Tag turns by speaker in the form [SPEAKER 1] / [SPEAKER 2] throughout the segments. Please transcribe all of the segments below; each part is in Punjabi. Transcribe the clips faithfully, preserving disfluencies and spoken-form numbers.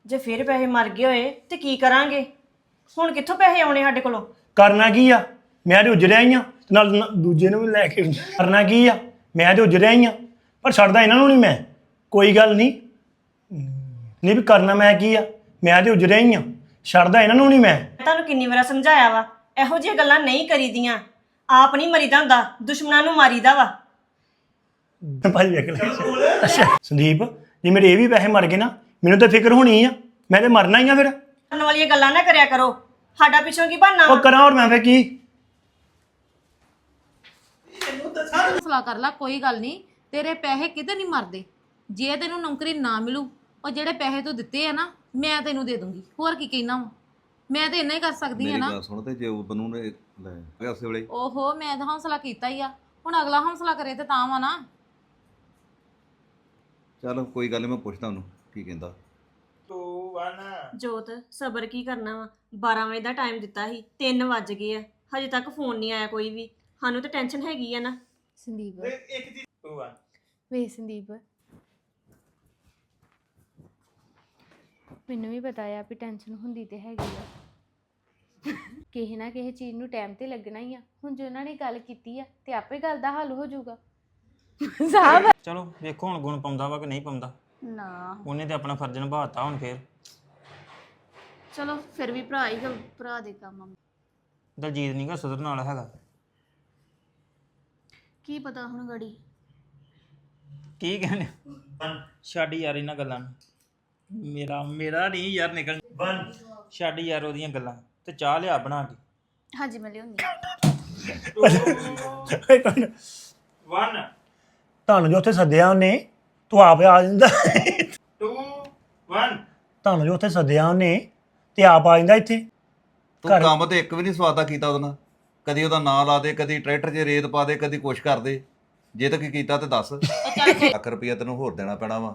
[SPEAKER 1] ਜੇ ਫਿਰ ਪੈਸੇ ਮਰ ਗਏ ਹੋਏ ਤੇ ਕੀ ਕਰਾਂਗੇ? ਹੁਣ ਕਿੱਥੋਂ ਪੈਸੇ ਆਉਣੇ ਸਾਡੇ ਕੋਲੋਂ?
[SPEAKER 2] ਕਰਨਾ ਕੀ ਆ? ਮੈਂ ਤੇ ਉਜੜਿਆ ਹੀ ਆ ਤੇ ਨਾਲ ਨ- ਦੂਜੇ ਨੂੰ ਵੀ ਲੈ ਕੇ ਕਰਨਾ ਕੀ ਆ? ਮੈਂ ਤੇ ਉਜੜਿਆ ਹੀ ਆ ਪਰ ਛੱਡਦਾ ਇਹਨਾਂ ਨੂੰ ਨਹੀਂ ਮੈਂ। ਕੋਈ ਗੱਲ ਨਹੀਂ ਨਹੀਂ ਵੀ ਕਰਨਾ ਮੈਂ ਕੀ ਆ? ਮੈਂ ਤੇ ਉਜੜਿਆ ਹੀ ਆ, ਛੱਡਦਾ ਇਹਨਾਂ ਨੂੰ ਨਹੀਂ ਮੈਂ।
[SPEAKER 1] ਮੈਂ ਤੁਹਾਨੂੰ ਕਿੰਨੀ ਵਾਰ ਸਮਝਾਇਆ ਵਾ ਇਹੋ ਜਿਹੀਆਂ ਗੱਲਾਂ ਨਹੀਂ ਕਰੀਦੀਆਂ। ਆਪ ਨਹੀਂ ਮਰੀਦਾ ਹੁੰਦਾ, ਦੁਸ਼ਮਣਾਂ ਨੂੰ ਮਾਰੀਦਾ ਵਾ।
[SPEAKER 2] ਭਾਜੀ ਵੇਖ ਲੈ। ਅੱਛਾ ਸੰਦੀਪ, ਜੇ ਮੇਰੇ ਇਹ ਵੀ ਪੈਸੇ ਮਰ ਗਏ ਨਾ ਮੈਨੂੰ ਤਾਂ ਫਿਕਰ ਹੋਣੀ ਆ, ਮੈਂ ਤੇ ਮਰਨਾ ਹੀ ਆ ਫਿਰ।
[SPEAKER 1] ਕਰਨ ਵਾਲੀਆਂ ਗੱਲਾਂ ਨਾ ਕਰਿਆ ਕਰੋ, ਸਾਡਾ ਪਿੱਛੋਂ ਕੀ ਬਣਨਾ
[SPEAKER 2] ਉਹ
[SPEAKER 1] ਵਾ?
[SPEAKER 2] ਕਰਾਂ ਹੋਰ ਮੈਂ ਫਿਰ ਕੀ?
[SPEAKER 3] ਹੌਸਲਾ ਕਰ ਲੈ, ਕੋਈ ਗੱਲ ਨਹੀਂ, ਤੇਰੇ ਪੈਸੇ ਕਿਤੇ ਨਹੀਂ ਮਰਦੇ। ਜੇ ਤੈਨੂੰ ਨੌਕਰੀ ਨਾ ਮਿਲੂ, ਉਹ ਜਿਹੜੇ ਪੈਸੇ ਤੂੰ ਦਿੱਤੇ ਆ ਨਾ ਮੈਂ ਤੈਨੂੰ ਦੇ ਦੂੰਗੀ। ਹੋਰ ਕੀ ਕਹਿਣਾ ਵਾ? ਮੈਂ ਤਾਂ ਇੰਨਾ ਹੀ ਕਰ ਸਕਦੀ ਆ
[SPEAKER 4] ਮੇਰੀ
[SPEAKER 3] ਨਾ।
[SPEAKER 4] ਗੱਲ ਸੁਣ ਤੇ ਜੇ ਉਹ ਬਨੂ ਨੇ ਲੈ ਗਿਆ ਉਸੇ ਵੇਲੇ
[SPEAKER 3] ਓਹੋ, ਮੈਂ ਤਾਂ ਹੌਸਲਾ ਕੀਤਾ ਹੀ ਆ, ਹੁਣ ਅਗਲਾ ਹੌਸਲਾ ਕਰੇ ਤੇ ਤਾਂ ਵਾ ਨਾ।
[SPEAKER 4] ਚਲ ਕੋਈ ਗੱਲ ਨੀ, ਮੈਂ ਪੁੱਛਦਾ ਉਹਨੂੰ ਕੀ ਕਹਿੰਦਾ।
[SPEAKER 1] ਜੋਤ ਸਬਰ ਕੀ ਕਰਨਾ ਵਾ? ਬਾਰਾਂ ਵਜੇ ਦਾ ਟਾਈਮ ਦਿੱਤਾ ਸੀ, ਤਿੰਨ ਵੱਜ ਗਏ ਆ, ਹਜੇ ਤੱਕ ਫੋਨ ਨਹੀਂ ਆਇਆ ਕੋਈ ਵੀ। ਸਾਨੂੰ ਤਾਂ ਟੈਨਸ਼ਨ ਹੈਗੀ ਆ ਨਾ।
[SPEAKER 5] ਸੰਦੀਪ ਵੇ ਸੰਦੀਪ, ਮੈਨੂੰ ਵੀ ਪਤਾ ਆ ਵੀ ਟੈਨਸ਼ਨ ਹੁੰਦੀ ਤੇ ਹੈਗੀ ਆ। ਕਿਸੇ ਨਾ ਕਿਸੇ ਚੀਜ਼ ਨੂੰ ਟਾਈਮ ਤੇ ਲੱਗਣਾ ਹੀ ਆ। ਹੁਣ ਜੇ ਉਹਨਾਂ ਨੇ ਗੱਲ ਕੀਤੀ ਆ ਤੇ ਆਪੇ ਗੱਲ ਦਾ ਹੱਲ ਹੋ ਜਾਊਗਾ। ਸਾਹਿਬ
[SPEAKER 6] ਚਲੋ ਵੇਖੋ ਹੁਣ ਗੁਣ ਪਾਉਂਦਾ ਵਾ ਕਿ ਨਹੀਂ ਪਾਉਂਦਾ।
[SPEAKER 5] ਨਾ
[SPEAKER 6] ਉਹਨੇ ਤੇ ਆਪਣਾ ਫਰਜ਼ ਨਿਭਾਤਾ ਹੁਣ ਫੇਰ।
[SPEAKER 5] ਚਲੋ ਫਿਰ ਵੀ ਭਰਾ ਹੀ ਗ- ਭਰਾ ਦੇ ਕੰਮ ਆ।
[SPEAKER 6] ਦਲਜੀਤ ਨਹੀਂ ਗਾ ਸੁਧਰਨ ਵਾਲਾ ਹੈਗਾ।
[SPEAKER 5] ਕੀ ਪਤਾ ਹੁਣ ਗੜੀ
[SPEAKER 6] ਕੀ ਕਹਿੰਦੇ? ਛੱਡ ਯਾਰ ਇਹਨਾਂ ਗੱਲਾਂ ਨੂੰ। ਮੇਰਾ ਮੇਰਾ ਨਹੀਂ ਯਾਰ ਨਿਕਲ। ਛੱਡ ਯਾਰ ਉਹਦੀਆਂ ਗੱਲਾਂ ਤੇ ਚਾਹ ਲਿਆ ਬਣਾ ਕੇ।
[SPEAKER 5] ਹਾਂਜੀ ਮੈਂ ਲਿਆਉਂਦੀ।
[SPEAKER 2] ਤੁਹਾਨੂੰ ਜੋ ਉੱਥੇ ਸੱਦਿਆ ਉਹਨੇ, ਤੂੰ ਆਪ ਆ ਜਾਂਦਾ। ਤੁਹਾਨੂੰ ਜੋ ਉੱਥੇ ਸੱਦਿਆ ਉਹਨੇ ਤੇ ਆਪ ਆ ਜਾਂਦਾ ਇੱਥੇ।
[SPEAKER 4] ਤੂੰ ਕੰਮ ਤੇ ਇੱਕ ਵੀ ਨਹੀਂ ਸਵਾਦਾ ਕੀਤਾ ਉਹਦੇ ਨਾਲ। ਕਦੀ ਉਹਦਾ ਨਾਂ ਲਾ ਦੇ, ਕਦੀ ਟਰੈਕਟਰ 'ਚ ਰੇਤ ਪਾ ਦੇ, ਕਦੀ ਕੁਛ ਕਰ ਦੇ। ਜੇ ਤਾਂ ਕੀ ਕੀਤਾ ਤੇ ਦੱਸ। ਲੱਖ ਰੁਪਈਆ ਤੈਨੂੰ ਹੋਰ ਦੇਣਾ ਪੈਣਾ ਵਾ।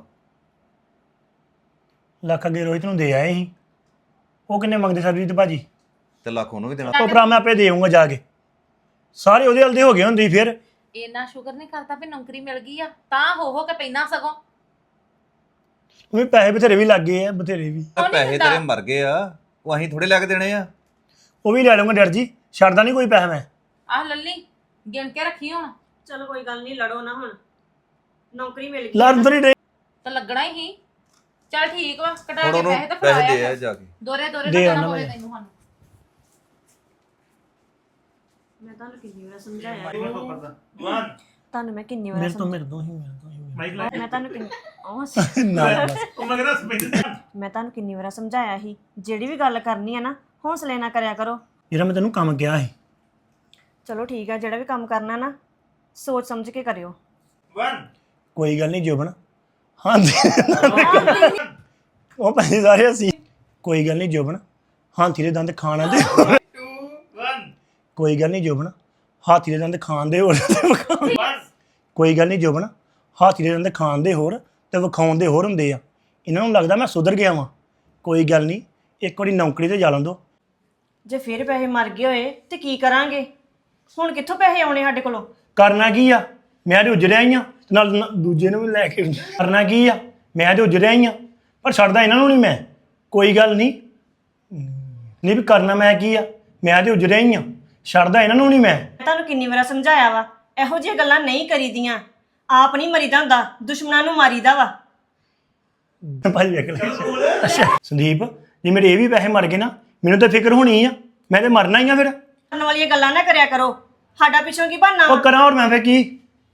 [SPEAKER 2] ਲੱਖ ਅੱਗੇ ਰੋਹਿਤ ਨੂੰ ਦੇ ਆਏ ਸੀ। ਉਹ ਕਿੰਨੇ ਮੰਗਦੇ ਸਰਬਜੀਤ ਭਾਜੀ?
[SPEAKER 4] ਤੇ ਲੱਖ ਉਹਨੂੰ ਵੀ ਦੇਣਾ।
[SPEAKER 2] ਉਹ ਭਰਾ ਮੈਂ ਆਪੇ ਦੇ ਆਊਂਗਾ ਜਾ ਕੇ। ਸਾਰੇ ਉਹਦੇ ਹਲਦੇ ਹੋ ਗਏ ਹੁੰਦੀ ਫਿਰ।
[SPEAKER 3] ਇੰਨਾ ਸ਼ੁਕਰ ਨਹੀਂ ਕਰਦਾ ਵੀ ਨੌਕਰੀ ਮਿਲ ਗਈ ਆ, ਤਾਂ ਹੋ ਹੋ ਕੇ ਪੈਣਾ ਸਗੋਂ।
[SPEAKER 2] ਉਹ ਵੀ ਪੈਸੇ ਬਥੇਰੇ ਵੀ ਲੱਗ ਗਏ ਆ, ਬਥੇਰੇ ਵੀ।
[SPEAKER 4] ਤੇ ਪੈਸੇ ਤੇਰੇ ਮਰ ਗਏ ਆ, ਉਹ ਅਸੀਂ ਥੋੜੇ ਲੈ ਕੇ ਦੇਣੇ ਆ।
[SPEAKER 2] ਉਹ ਵੀ ਲੈ ਲਵਾਂਗਾ ਡਰ ਜੀ, ਛੱਡਦਾ ਨਹੀਂ ਕੋਈ ਪੈਸਾ ਮੈਂ।
[SPEAKER 3] ਆਹ ਲੱਲੀ ਗਿਣ ਕੇ ਰੱਖੀ ਹੁਣ।
[SPEAKER 1] ਚਲੋ ਕੋਈ ਗੱਲ ਨਹੀਂ, ਲੜੋ ਨਾ ਹੁਣ, ਨੌਕਰੀ ਮਿਲ ਗਈ।
[SPEAKER 2] ਲੜਨ ਤਾਂ ਨਹੀਂ ਡੇ।
[SPEAKER 3] ਤਾਂ ਲੱਗਣਾ ਹੀ। ਚੱਲ ਠੀਕ ਵਾ, ਕਟਾ
[SPEAKER 4] ਹੁਣ
[SPEAKER 3] ਕੇ
[SPEAKER 4] ਉਹਨੂੰ
[SPEAKER 3] ਪੈਸੇ ਤਾਂ
[SPEAKER 4] ਪੈਸੇ ਦੇ
[SPEAKER 3] ਫੜਾਇਆ
[SPEAKER 4] ਆ ਜਾ ਕੇ।
[SPEAKER 3] ਦੋਰੇ ਦੋਰੇ
[SPEAKER 2] ਦੇ
[SPEAKER 3] ਨਾ
[SPEAKER 2] ਆਉਣਾ
[SPEAKER 3] ਦੇਣਾ ਪਵੇ
[SPEAKER 2] ਮੈਂ।
[SPEAKER 3] ਤੈਨੂੰ ਸਾਨੂੰ।
[SPEAKER 1] ਮੈਂ ਤੁਹਾਨੂੰ ਕਿੰਨੀ ਵਾਰ ਸਮਝਾਇਆ ਤੁਹਾਨੂੰ ਮੈਂ ਕਿੰਨੀ ਵਾਰ
[SPEAKER 2] ਮੇਰੇ ਤੋਂ ਮੇਰੇ ਤੋਂ ਹੀ ਮੇਰੇ ਤੋਂ ਹੀ
[SPEAKER 1] ਮੈਂ ਤੁਹਾਨੂੰ ਕਿੰਨੀ ਉਹ ਸ-
[SPEAKER 2] ਨਾ ਬਸ।
[SPEAKER 1] ਮੈਂ ਤੁਹਾਨੂੰ ਕਿੰਨੀ ਵਾਰ ਸਮਝਾਇਆ ਸੀ, ਜਿਹੜੀ ਵੀ ਗੱਲ ਕਰਨੀ ਆ ਨਾ ਹੌਸਲੇ ਨਾਲ ਕਰਿਆ ਕਰੋ।
[SPEAKER 2] ਜਿਹੜਾ ਮੈਂ ਤੈਨੂੰ ਕੰਮ ਕਿਹਾ ਸੀ।
[SPEAKER 1] ਚਲੋ ਠੀਕ ਆ, ਜਿਹੜਾ ਵੀ ਕੰਮ ਕਰਨਾ ਨਾ ਸੋਚ ਸਮਝ ਕੇ ਕਰਿਓ।
[SPEAKER 2] ਕੋਈ ਗੱਲ ਨਹੀਂ ਜੋਬਨ। ਹਾਂਜੀ ਉਹ ਪੈਸੇ ਸਾਰੇ ਅਸੀਂ। ਕੋਈ ਗੱਲ ਨਹੀਂ ਜੋਬਨ, ਹਾਥੀ ਦੇ ਦੰਦ ਖਾਣਾ ਦੇ। ਕੋਈ ਗੱਲ ਨਹੀਂ ਜੋਬਨ, ਹਾਥੀ ਦੇ ਦੰਦ ਖਾਣ ਦੇ ਹੋਰ ਤੇ ਵਿਖਾਉਣ। ਕੋਈ ਗੱਲ ਨਹੀਂ ਜੋਬਨ, ਹਾਥੀ ਦੇ ਦੰਦ ਖਾਣ ਦੇ ਹੋਰ ਤੇ ਵਿਖਾਉਣ ਦੇ ਹੋਰ ਹੁੰਦੇ ਆ। ਇਹਨਾਂ ਨੂੰ ਲੱਗਦਾ ਮੈਂ ਸੁਧਰ ਗਿਆ ਵਾਂ। ਕੋਈ ਗੱਲ ਨਹੀਂ, ਇੱਕ ਵਾਰੀ ਨੌਕਰੀ ਤੇ ਜਾ ਲਾਂ ਦੋ।
[SPEAKER 1] ਜੇ ਫਿਰ ਪੈਸੇ ਮਰ ਗਏ ਹੋਏ ਤੇ ਕੀ ਕਰਾਂਗੇ? ਹੁਣ ਕਿੱਥੋਂ ਪੈਸੇ ਆਉਣੇ ਸਾਡੇ ਕੋਲੋਂ?
[SPEAKER 2] ਕਰਨਾ ਕੀ ਆ? ਮੈਂ ਤੇ ਉਜੜਿਆ ਹੀ ਆ ਤੇ ਨਾਲ ਨ- ਦੂਜੇ ਨੂੰ ਵੀ ਲੈ ਕੇ ਕਰਨਾ ਕੀ ਆ? ਮੈਂ ਤੇ ਉਜੜਿਆ ਹੀ ਆ ਪਰ ਛੱਡਦਾ ਇਹਨਾਂ ਨੂੰ ਨਹੀਂ ਮੈਂ। ਕੋਈ ਗੱਲ ਨਹੀਂ ਨਹੀਂ ਵੀ ਕਰਨਾ ਮੈਂ ਕੀ ਆ? ਮੈਂ ਤੇ ਉਜੜਿਆ ਹੀ ਆ, ਛੱਡਦਾ ਇਹਨਾਂ ਨੂੰ ਨਹੀਂ ਮੈਂ।
[SPEAKER 1] ਮੈਂ ਤੁਹਾਨੂੰ ਕਿੰਨੀ ਵਾਰ ਸਮਝਾਇਆ ਵਾ ਇਹੋ ਜਿਹੀਆਂ ਗੱਲਾਂ ਨਹੀਂ ਕਰੀਦੀਆਂ। ਆਪ ਨਹੀਂ ਮਰੀਦਾ ਹੁੰਦਾ, ਦੁਸ਼ਮਣਾਂ ਨੂੰ ਮਾਰੀਦਾ ਵਾ।
[SPEAKER 2] ਭਾਜੀ ਵੇਖ ਲੈ। ਅੱਛਾ ਸੰਦੀਪ, ਜੇ ਮੇਰੇ ਇਹ ਵੀ ਪੈਸੇ ਮਰ ਗਏ ਨਾ ਮੈਨੂੰ ਤਾਂ ਫਿਕਰ ਹੋਣੀ ਆ, ਮੈਂ ਤੇ ਮਰਨਾ ਹੀ ਆ ਫਿਰ।
[SPEAKER 1] ਕਰਨ ਵਾਲੀਆਂ ਗੱਲਾਂ ਨਾ ਕਰਿਆ ਕਰੋ, ਸਾਡਾ ਪਿੱਛੋਂ ਕੀ ਬਣਨਾ
[SPEAKER 2] ਉਹ
[SPEAKER 1] ਵਾ?
[SPEAKER 2] ਕਰਾਂ ਹੋਰ ਮੈਂ ਫਿਰ ਕੀ?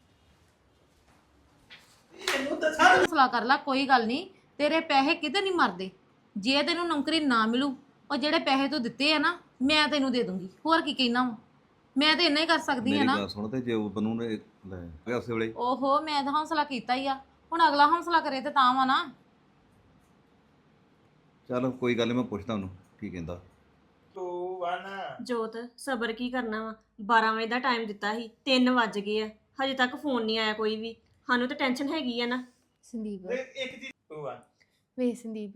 [SPEAKER 3] ਹੌਸਲਾ ਕਰ ਲੈ, ਕੋਈ ਗੱਲ ਨਹੀਂ, ਤੇਰੇ ਪੈਸੇ ਕਿਤੇ ਨਹੀਂ ਮਰਦੇ। ਜੇ ਤੈਨੂੰ ਨੌਕਰੀ ਨਾ ਮਿਲੂ, ਉਹ ਜਿਹੜੇ ਪੈਸੇ ਤੂੰ ਦਿੱਤੇ ਆ ਨਾ ਮੈਂ ਤੈਨੂੰ ਦੇ ਦੂੰਗੀ। ਹੋਰ ਕੀ ਕਹਿਣਾ ਵਾ? ਮੈਂ ਤਾਂ ਇੰਨਾ ਹੀ ਕਰ ਸਕਦੀ ਆ
[SPEAKER 4] ਮੇਰੀ
[SPEAKER 3] ਨਾ।
[SPEAKER 4] ਗੱਲ ਸੁਣ ਤੇ ਜੇ ਉਹ ਬਨੂ ਨੇ ਲੈ ਗਿਆ ਉਸੇ ਵੇਲੇ
[SPEAKER 3] ਓਹੋ, ਮੈਂ ਤਾਂ ਹੌਸਲਾ ਕੀਤਾ ਹੀ ਆ, ਹੁਣ ਅਗਲਾ ਹੌਸਲਾ ਕਰੇ ਤੇ ਤਾਂ ਵਾ ਨਾ।
[SPEAKER 4] ਚਲ ਕੋਈ ਗੱਲ ਨੀ, ਮੈਂ ਪੁੱਛਦਾ ਉਹਨੂੰ ਕੀ ਕਹਿੰਦਾ।
[SPEAKER 1] ਜੋਤ ਸਬਰ ਕੀ ਕਰਨਾ ਵਾ? ਬਾਰਾਂ ਵਜੇ ਦਾ ਟਾਈਮ ਦਿੱਤਾ ਸੀ, ਤਿੰਨ ਵੱਜ ਗਏ ਆ, ਹਜੇ ਤੱਕ ਫੋਨ ਨਹੀਂ ਆਇਆ ਕੋਈ ਵੀ। ਸਾਨੂੰ ਤਾਂ ਟੈਨਸ਼ਨ ਹੈਗੀ ਆ ਨਾ।
[SPEAKER 5] ਸੰਦੀਪ ਵੇ ਸੰਦੀਪ,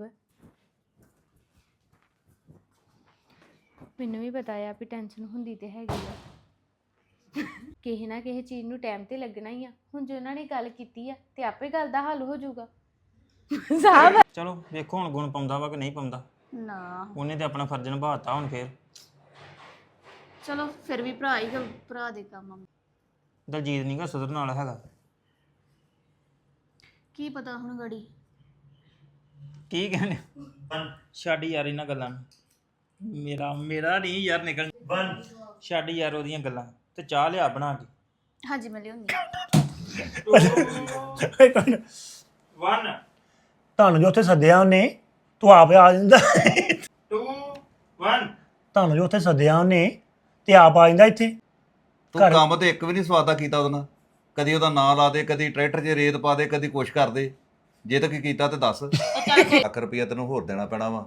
[SPEAKER 5] ਮੈਨੂੰ ਵੀ ਪਤਾ ਆ ਵੀ ਟੈਨਸ਼ਨ ਹੁੰਦੀ ਤੇ ਹੈਗੀ ਆ। ਕਿਸੇ ਨਾ ਕਿਸੇ ਚੀਜ਼ ਨੂੰ ਟਾਈਮ ਤੇ ਲੱਗਣਾ ਹੀ ਆ। ਹੁਣ ਜੇ ਉਹਨਾਂ ਨੇ ਗੱਲ ਕੀਤੀ ਆ ਤੇ ਆਪੇ ਗੱਲ ਦਾ ਹੱਲ ਹੋ ਜਾਊਗਾ। ਸਾਹਿਬ
[SPEAKER 6] ਚਲੋ ਵੇਖੋ ਹੁਣ ਗੁਣ ਪਾਉਂਦਾ ਵਾ ਕਿ ਨਹੀਂ ਪਾਉਂਦਾ।
[SPEAKER 5] ਨਾ
[SPEAKER 6] ਉਹਨੇ ਤੇ ਆਪਣਾ ਫਰਜ਼ ਨਿਭਾਤਾ ਹੁਣ ਫੇਰ।
[SPEAKER 5] ਚਲੋ ਫਿਰ ਵੀ ਭਰਾ ਹੀ ਗ- ਭਰਾ ਦੇ ਕੰਮ ਆ।
[SPEAKER 6] ਦਲਜੀਤ ਨਹੀਂ ਗਾ ਸੁਧਰਨ ਵਾਲਾ ਹੈਗਾ।
[SPEAKER 5] ਕੀ ਪਤਾ ਹੁਣ ਗੜੀ
[SPEAKER 6] ਕੀ ਕਹਿੰਦੇ ਛੱਡ ਯਾਰ ਇਹਨਾਂ ਗੱਲਾਂ ਨੂੰ। ਮੇਰਾ ਮੇਰਾ ਨਹੀਂ ਯਾਰ ਨਿਕਲ ਛੱਡ ਯਾਰ ਉਹਦੀਆਂ ਗੱਲਾਂ ਤੇ ਚਾਹ ਲਿਆ ਬਣਾ ਕੇ।
[SPEAKER 5] ਹਾਂਜੀ ਮੈਂ ਲਿਆਉਂਦੀ
[SPEAKER 6] one
[SPEAKER 2] ਤੁਹਾਨੂੰ ਜੋ ਉੱਥੇ ਸੱਦਿਆ ਉਹਨੇ ਤੂੰ ਆਪ ਆ ਜਾਂਦਾ
[SPEAKER 6] two one
[SPEAKER 2] ਤੁਹਾਨੂੰ ਜੋ ਉੱਥੇ ਸੱਦਿਆ ਉਹਨੇ ਤੇ ਆਪ ਆ ਜਾਂਦਾ ਇੱਥੇ
[SPEAKER 4] ਤੂੰ
[SPEAKER 2] ਘਰ-
[SPEAKER 4] ਕੰਮ ਤੇ ਇੱਕ ਵੀ ਨਹੀਂ ਸਵਾਦਾ ਕੀਤਾ ਉਹਦੇ ਨਾਲ। ਕਦੀ ਉਹਦਾ ਨਾਂ ਲਾ ਦੇ, ਕਦੀ ਟਰੈਕਟਰ 'ਚ ਰੇਤ ਪਾ ਦੇ, ਕਦੀ ਕੁਛ ਕਰ ਦੇ। ਜੇ ਤਾਂ ਕੀ ਕੀਤਾ ਤੇ ਦੱਸ। ਲੱਖ ਰੁਪਈਆ ਤੈਨੂੰ ਹੋਰ ਦੇਣਾ ਪੈਣਾ ਵਾ।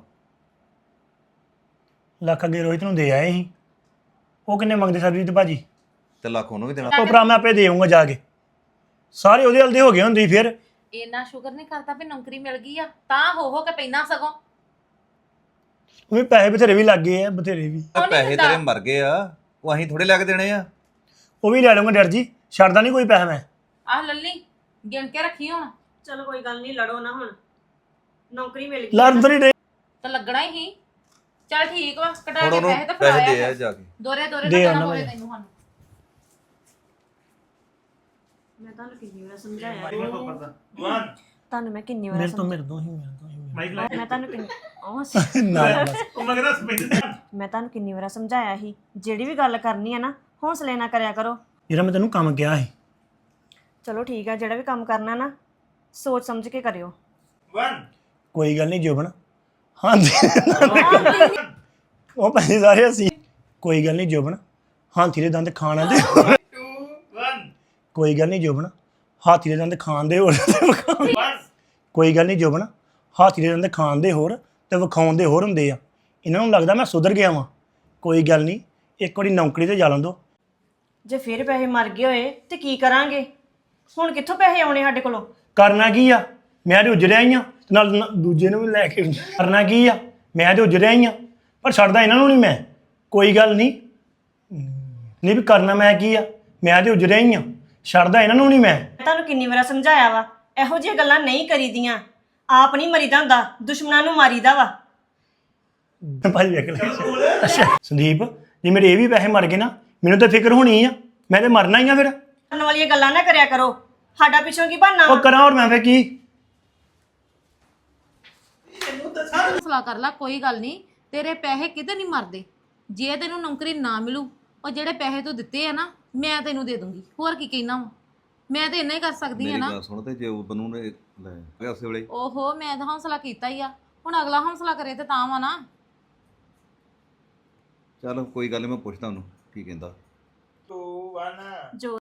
[SPEAKER 2] ਲੱਖ ਅੱਗੇ ਰੋਹਿਤ ਨੂੰ ਦੇ ਆਏ ਸੀ। ਉਹ ਕਿੰਨੇ ਮੰਗਦੇ ਸਰਬਜੀਤ ਭਾਜੀ?
[SPEAKER 4] ਤੇ ਲੱਖ ਉਹਨੂੰ ਵੀ ਦੇਣਾ।
[SPEAKER 2] ਉਹ ਭਰਾ ਮੈਂ ਆਪੇ ਦੇ ਆਊਂਗਾ ਜਾ ਕੇ। ਸਾਰੇ ਉਹਦੇ ਹਲਦੇ ਹੋ ਗਏ ਹੁੰਦੀ ਫਿਰ।
[SPEAKER 3] ਇੰਨਾ ਸ਼ੁਕਰ ਨਹੀਂ ਕਰਦਾ ਵੀ ਨੌਕਰੀ ਮਿਲ ਗਈ ਆ ਤਾਂ ਹੋ ਹੋ ਕੇ ਪੈਣਾ ਸਗੋਂ।
[SPEAKER 2] ਉਹ ਵੀ ਪੈਸੇ ਬਥੇਰੇ ਵੀ ਲੱਗ ਗਏ ਆ ਬਥੇਰੇ ਵੀ।
[SPEAKER 3] ਉਹ ਨੀ
[SPEAKER 4] ਪੈਸੇ
[SPEAKER 3] ਦਿੰਦਾ।
[SPEAKER 4] ਤੇਰੇ ਮਰ ਗਏ ਆ, ਉਹ ਅਸੀਂ ਥੋੜੇ ਲੈ ਕੇ ਦੇਣੇ ਆ।
[SPEAKER 2] ਉਹ ਵੀ ਲੈ ਲਵਾਂਗਾ ਡਰ ਜੀ, ਛੱਡਦਾ ਨਹੀਂ ਕੋਈ ਪੈਸਾ ਮੈਂ।
[SPEAKER 3] ਆਹ ਲੱਲੀ ਗਿਣ ਕੇ ਰੱਖੀ ਹੁਣ
[SPEAKER 1] ਚਲੋ ਕੋਈ ਗੱਲ ਨਹੀਂ, ਲੜੋ ਨਾ ਹੁਣ, ਨੌਕਰੀ ਮਿਲ ਗਈ
[SPEAKER 2] ਲੜ ਤਾਂ ਨਹੀਂ ਰਹੇ।
[SPEAKER 3] ਤਾਂ ਲੱਗਣਾ ਹੀ ਸੀ। ਚੱਲ ਠੀਕ ਵਾ ਕਟਾ
[SPEAKER 4] ਹੁਣ
[SPEAKER 3] ਕੇ
[SPEAKER 4] ਉਹਨੂੰ
[SPEAKER 3] ਪੈਸੇ ਤਾਂ
[SPEAKER 4] ਪੈਸੇ ਦੇ ਆ
[SPEAKER 3] ਫੜਾਇਆ
[SPEAKER 4] ਜਾ ਕੇ।
[SPEAKER 3] ਦੋਰੇ ਦੋਰੇ
[SPEAKER 2] ਦੇ
[SPEAKER 3] ਤਾਂ
[SPEAKER 2] ਆਉਣਾ
[SPEAKER 3] ਦੇਣਾ ਹੋਵੇ
[SPEAKER 2] ਮੈਂ।
[SPEAKER 3] ਤੈਨੂੰ ਸਾਨੂੰ।
[SPEAKER 1] ਮੈਂ ਤੁਹਾਨੂੰ ਕਿੰਨੀ ਵਾਰ ਸਮਝਾਇਆ
[SPEAKER 6] one
[SPEAKER 1] ਤੁਹਾਨੂੰ ਮੈਂ ਕਿੰਨੀ ਵਾਰ
[SPEAKER 2] ਮੇਰੇ ਤੋਂ ਮੇਰੇ ਤੋਂ ਹੀ ਮੇਰੇ ਤੋਂ ਹੀ ਮੇਰੇ
[SPEAKER 1] ਮੈਂ ਤੁਹਾਨੂੰ ਕਿੰਨੀ ਉਹ
[SPEAKER 2] ਤੋਂ। ਨਾ ਨਾ ਬਸ।
[SPEAKER 1] ਮੈਂ ਤੁਹਾਨੂੰ ਕਿੰਨੀ ਵਾਰ ਸਮਝਾਇਆ ਸੀ, ਜਿਹੜੀ ਵੀ ਗੱਲ ਕਰਨੀ ਹੈ ਨਾ ਹੌਸਲੇ ਨਾਲ ਕਰਿਆ ਕਰੋ।
[SPEAKER 2] ਜਿਹੜਾ ਮੈਂ ਤੈਨੂੰ ਕੰਮ ਕਿਹਾ ਸੀ
[SPEAKER 1] ਚਲੋ ਠੀਕ ਹੈ, ਜਿਹੜਾ ਵੀ ਕੰਮ ਕਰਨਾ ਨਾ ਸੋਚ ਸਮਝ ਕੇ ਕਰਿਓ।
[SPEAKER 6] one
[SPEAKER 2] ਕੋਈ ਗੱਲ ਨਹੀਂ ਜੋਬਨ। ਹਾਂਜੀ ਉਹ ਪੈਸੇ ਸਾਰੇ ਅਸੀਂ। ਕੋਈ ਗੱਲ ਨਹੀਂ ਜੋਬਨ, ਹਾਥੀ ਦੇ ਦੰਦ ਖਾਣ ਆਂਦੇ।
[SPEAKER 6] two one
[SPEAKER 2] ਕੋਈ ਗੱਲ ਨਹੀਂ ਜੋਬਨ, ਹਾਥੀ ਦੇ ਦੰਦ ਖਾਣ ਦੇ ਹੋਰ ਤੇ ਵਿਖਾਉਣ-
[SPEAKER 6] one
[SPEAKER 2] ਕੋਈ ਗੱਲ ਨਹੀਂ ਜੋਬਨ, ਹਾਥੀ ਦੇ ਦੰਦ ਖਾਣ ਦੇ ਹੋਰ ਤੇ ਵਿਖਾਉਣ ਦੇ ਹੋਰ ਹੁੰਦੇ ਆ। ਇਹਨਾਂ ਨੂੰ ਲੱਗਦਾ ਮੈਂ ਸੁਧਰ ਗਿਆ ਵਾਂ। ਕੋਈ ਗੱਲ ਨਹੀਂ, ਇੱਕ ਵਾਰੀ ਨੌਕਰੀ ਤੇ ਜਾ ਲੰਦੋ।
[SPEAKER 1] ਜੇ ਫਿਰ ਪੈਸੇ ਮਰ ਗਏ ਹੋਏ ਤੇ ਕੀ ਕਰਾਂਗੇ? ਹੁਣ ਕਿੱਥੋਂ ਪੈਸੇ ਆਉਣੇ ਸਾਡੇ ਕੋਲੋਂ?
[SPEAKER 2] ਕਰਨਾ ਕੀ ਆ, ਮੈਂ ਤੇ ਉਜੜਿਆ ਹੀ ਆ ਤੇ ਨਾਲ ਨ- ਦੂਜੇ ਨੂੰ ਵੀ ਲੈ ਕੇ ਕਰਨਾ ਕੀ ਆ, ਮੈਂ ਤੇ ਉਜੜਿਆ ਹੀ ਆ ਪਰ ਛੱਡਦਾ ਇਹਨਾਂ ਨੂੰ ਨਹੀਂ ਮੈਂ। ਕੋਈ ਗੱਲ ਨਹੀਂ ਨਹੀਂ ਵੀ ਕਰਨਾ ਮੈਂ ਕੀ ਆ, ਮੈਂ ਤੇ ਉਜੜਿਆ ਹੀ ਆ, ਛੱਡਦਾ ਇਹਨਾਂ ਨੂੰ ਨਹੀਂ ਮੈਂ।
[SPEAKER 1] ਮੈਂ ਤੁਹਾਨੂੰ ਕਿੰਨੀ ਵਾਰ ਸਮਝਾਇਆ ਵਾ, ਇਹੋ ਜਿਹੀਆਂ ਗੱਲਾਂ ਨਹੀਂ ਕਰੀਦੀਆਂ। ਆਪ ਨਹੀਂ ਮਰੀਦਾ ਹੁੰਦਾ, ਦੁਸ਼ਮਣਾਂ ਨੂੰ ਮਾਰੀਦਾ ਵਾ।
[SPEAKER 2] ਭਾਜੀ ਵੇਖ ਲੈ। ਅੱਛਾ ਸੰਦੀਪ, ਜੇ ਮੇਰੇ ਇਹ ਵੀ ਪੈਸੇ ਮਰ ਗਏ ਨਾ ਮੈਨੂੰ ਤਾਂ ਫਿਕਰ ਹੋਣੀ ਆ, ਮੈਂ ਤੇ ਮਰਨਾ ਹੀ ਆ ਫਿਰ।
[SPEAKER 1] ਕਰਨ ਵਾਲੀਆਂ ਗੱਲਾਂ ਨਾ ਕਰਿਆ ਕਰੋ, ਸਾਡਾ ਪਿੱਛੋਂ ਕੀ ਬਣਨਾ
[SPEAKER 2] ਉਹ
[SPEAKER 1] ਵਾ?
[SPEAKER 2] ਕਰਾਂ ਹੋਰ ਮੈਂ ਫੇ ਕੀ।
[SPEAKER 3] ਹੌਸਲਾ ਕਰ ਲੈ ਕੋਈ ਗੱਲ ਨਹੀਂ। ਤੇਰੇ ਪੈਸੇ ਕਿਤੇ ਨਹੀਂ ਮਰਦੇ। ਜੇ ਤੈਨੂੰ ਨੌਕਰੀ ਨਾ ਮਿਲੂ ਉਹ ਜਿਹੜੇ ਪੈਸੇ ਤੂੰ ਦਿੱਤੇ ਆ ਨਾ ਮੈਂ ਤੈਨੂੰ ਦੇ ਦੂੰਗੀ। ਹੋਰ ਕੀ ਕਹਿਣਾ ਵਾ? ਮੈਂ ਤੇ ਇੰਨਾ ਹੀ ਕਰ ਸਕਦੀ ਆ
[SPEAKER 4] ਮੇਰੀ
[SPEAKER 3] ਨਾ।
[SPEAKER 4] ਗੱਲ ਸੁਣ, ਤੇ ਜੇ ਉਹ ਬਨੂ ਨੇ ਲੈ ਗਿਆ ਉਸੇ ਵੇਲੇ।
[SPEAKER 3] ਓਹੋ ਮੈਂ ਤਾਂ ਹੌਸਲਾ ਕੀਤਾ ਹੀ ਆ, ਹੁਣ ਅਗਲਾ ਹੌਸਲਾ ਕਰੇ ਤੇ ਤਾਂ ਵਾ ਨਾ।
[SPEAKER 4] ਚੱਲ ਕੋਈ ਗੱਲ ਨੀ, ਮੈਂ ਪੁੱਛਦਾ ਉਹਨੂੰ ਕੀ ਕਹਿੰਦਾ।
[SPEAKER 6] two one
[SPEAKER 1] ਜੋ